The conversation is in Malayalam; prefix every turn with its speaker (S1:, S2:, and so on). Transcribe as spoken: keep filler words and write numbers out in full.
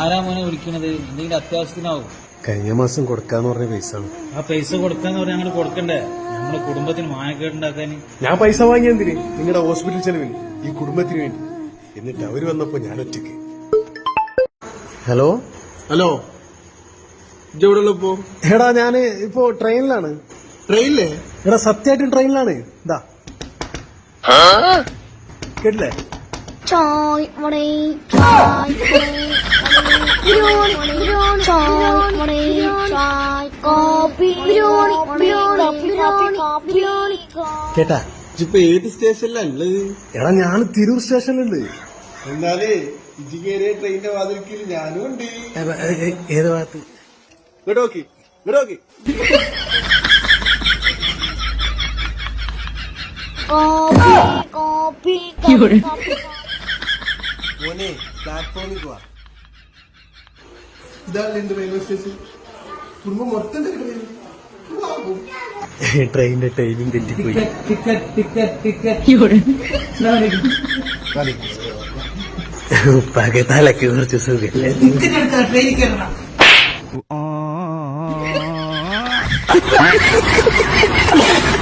S1: ആരാ മോനെ വിളിക്കണത്? എന്തെങ്കിലും അത്യാവശ്യത്തിനാവും?
S2: കഴിഞ്ഞ മാസം കൊടുക്കാന്ന് പറഞ്ഞ പൈസ.
S1: ആ പൈസ കൊടുക്കാന്ന് പറഞ്ഞാൽ ഞങ്ങൾ കൊടുക്കണ്ടേ? നമ്മുടെ കുടുംബത്തിന് മാനക്കേടുണ്ടാക്കാൻ.
S2: ഞാൻ പൈസ വാങ്ങിയെന്തിന്? നിങ്ങളുടെ ഹോസ്പിറ്റൽ ചെലവിന്, ഈ കുടുംബത്തിന് വേണ്ടി. എന്നിട്ട് അവര് വന്നപ്പോ ഞാൻ ഒറ്റയ്ക്ക്. ഹലോ
S3: ഹലോ, ഇതെവിടെ ഇപ്പോ?
S2: എടാ ഞാന് ഇപ്പോ ട്രെയിനിലാണ്.
S3: ട്രെയിനില്ലേ?
S2: എടാ സത്യമായിട്ടും ട്രെയിനിലാണ്. ഇതാ കേട്ടില്ലേ?
S4: Choi, money, choi, money, biryani, biryani, choi, money, choi, coffee, biryani, biryani, biryani, biryani.
S2: കേട്ടാ?
S3: ഇപ്പൊ ഏത് സ്റ്റേഷനിലുള്ളത്?
S2: എടാ ഞാൻ തിരൂർ സ്റ്റേഷനിലുണ്ട്.
S3: എന്നാലേ ഇജി കയറിയ ട്രെയിനിന്റെ വാതിൽക്കിൽ ഞാനും ഉണ്ട്.
S2: ഏത് ഭാഗത്ത്?
S3: ഇങ്ങോട്ട് നോക്കി, ഇങ്ങോട്ട് നോക്കി.
S4: Coffee, coffee, coffee.
S3: മോനെ പ്ലാറ്റ്ഫോമിൽ പോവാ. ഇതാണ് എന്റെ റെയിൽവേ സ്റ്റേഷൻ. കുടുംബം മൊത്തം
S2: ട്രെയിനിന്റെ ടൈമിംഗ് തെറ്റിപ്പോയി. പകത്താലൊക്കെ കുറച്ച് സുഖല്ലേ?
S5: ട്രെയിനിൽ കയറണം.